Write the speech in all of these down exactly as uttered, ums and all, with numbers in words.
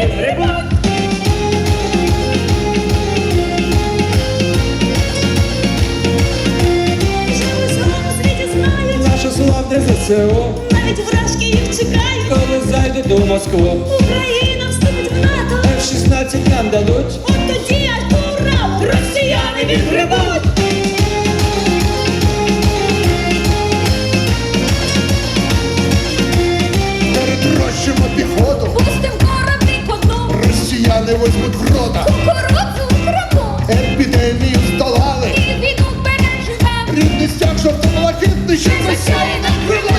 відгребуть. Наше славне ЗСУ, Навіть вражки їх чекають. коли зайдуть у Москву, Україна вступить в НАТО. еф шістнадцять нам дадуть. От тоді аж ура! Росіяни відгребуть. Перетрощимо піхоту, Пустим кораблі по дну. росіяни возьмуть в рота. Кукурудзу в Криму. Епідемію здолали, І війну переживемо. рідний стяг, щоб це блакитний, що Засяє нам крила.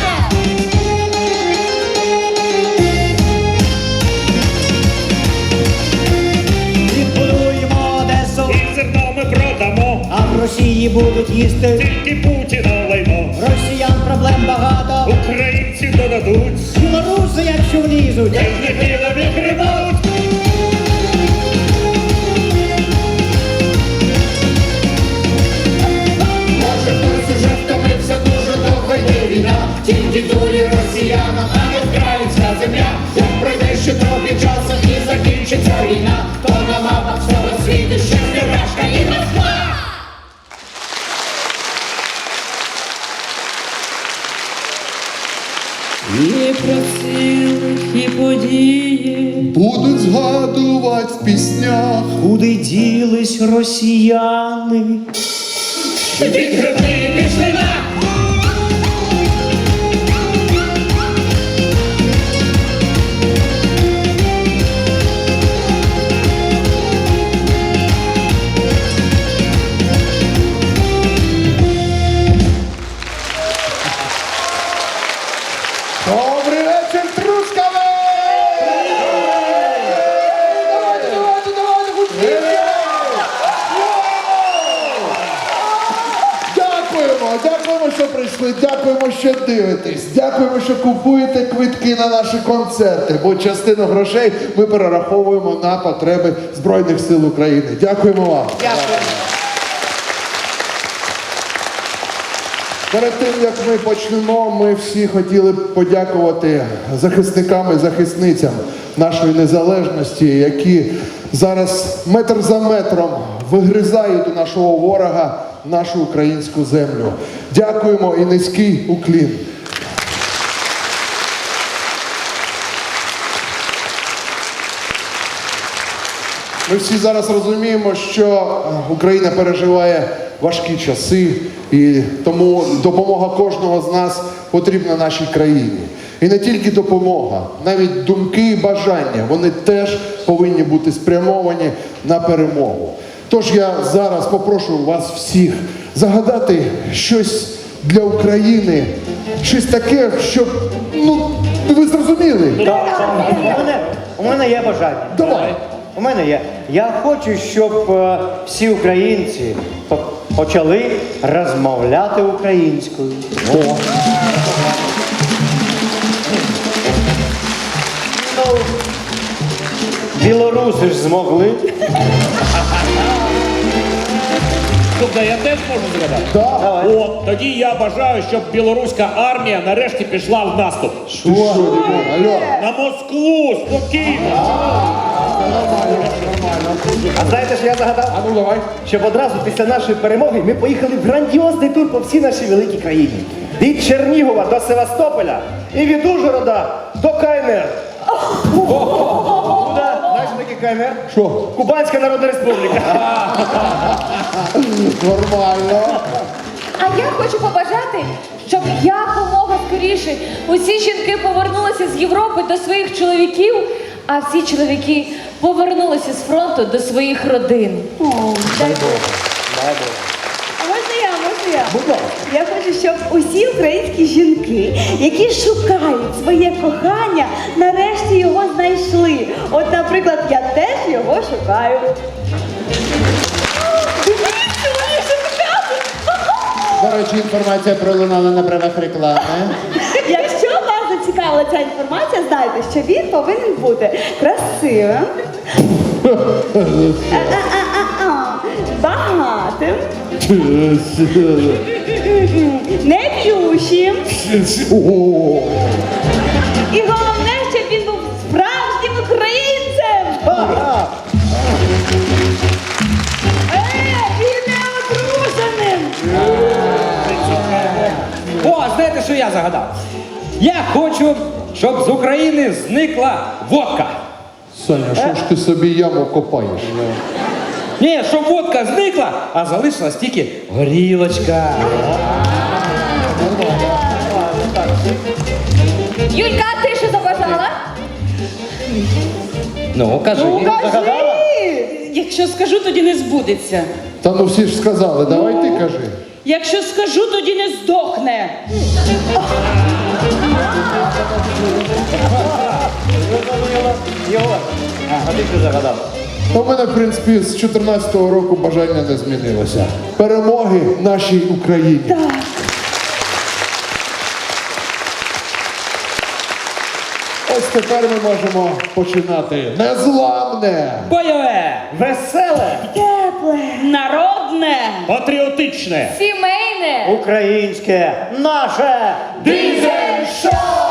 Відбудуємо Одесу, І зерно ми продамо, а в Росії будуть їсти. тільки Путіна лайно. Росіян проблем багато, Українці додадуть, білоруси, якщо влізуть. дебіла відгребуть. може хтось уже втомився, дуже довго йде війна. Тільки дурі росіянам, а не вкраїнська земля. Як пройде ще трохи часу і закінчиться війна, то на мапах всього світу ще Рашка і Москва. І про цілих і події Будуть згадувати в піснях. Куди ділись росіяни? Відгреби пішли на. Добрий вечір, Трускаве! Давайте, давайте, давайте, гучніше! Дякуємо, дякуємо, що прийшли, дякуємо, що дивитесь, дякуємо, що купуєте квитки на наші концерти, бо частину грошей ми перераховуємо на потреби Збройних сил України. Дякуємо вам. Перед тим, як ми почнемо, ми всі хотіли б подякувати захисникам і захисницям нашої незалежності, які зараз метр за метром вигризають у нашого ворога нашу українську землю. Дякуємо і низький уклін. Ми всі зараз розуміємо, що Україна переживає важкі часи, і тому допомога кожного з нас потрібна нашій країні. І не тільки допомога, навіть думки і бажання, вони теж повинні бути спрямовані на перемогу. Тож я зараз попрошу вас всіх загадати щось для України, щось таке, щоб, ну, ви зрозуміли. У мене, у мене є бажання. Давай. У мене є. Я хочу, щоб е, всі українці по- почали розмовляти українською. О. Ну, білоруси ж змогли. Тобто я теж можу згадати? Так. Давай. О, тоді я бажаю, щоб білоруська армія нарешті пішла в наступ. Ти що, Дімон? Алло. На Москву, спокійно. А знаєте, що я загадав? А ну давай. Щоб одразу після нашої перемоги ми поїхали в грандіозний тур по всій нашій великій країні. Від Чернігова до Севастополя і від Ужгорода до КНР. Куди? Знаєш, що таке КНР? Що? Кубанська Народна Республіка. Нормально. А я хочу побажати, щоб якомога скоріше усі жінки повернулися з Європи до своїх чоловіків, а всі чоловіки повернулися з фронту до своїх родин. О, дай Бог. А можна я, можна я? Будь ласка. Я хочу, щоб усі українські жінки, які шукають своє кохання, нарешті його знайшли. От, наприклад, я теж його шукаю. Дивіться, вони шукали! До речі, інформація пролунала на правах реклами. Якщо вас зацікавила ця інформація, знайте, що він повинен бути красивим, а-а-а-а-а, багатим, неп'ющим. О, І головне, щоб він був справжнім українцем. Е, і не одруженим! О, знаєте, що я загадав? Я хочу, щоб з України зникла водка. Саня, що ж ти собі яму копаєш? Ні, щоб водка зникла, а залишилась тільки горілочка. Юлька, а ти що забажала? Ну, кажи. Якщо скажу, тоді не збудеться. Та ну всі ж сказали, давай ти кажи. Якщо скажу, тоді не здохне. Його. А ти що загадав? У мене, в принципі, з чотирнадцятого року бажання не змінилося. Перемоги нашій Україні. Ось тепер ми можемо починати незламне. Бойове! Веселе! Тепле! Народне. Патріотичне. Сімейне. Українське! Наше! Дизель-шоу!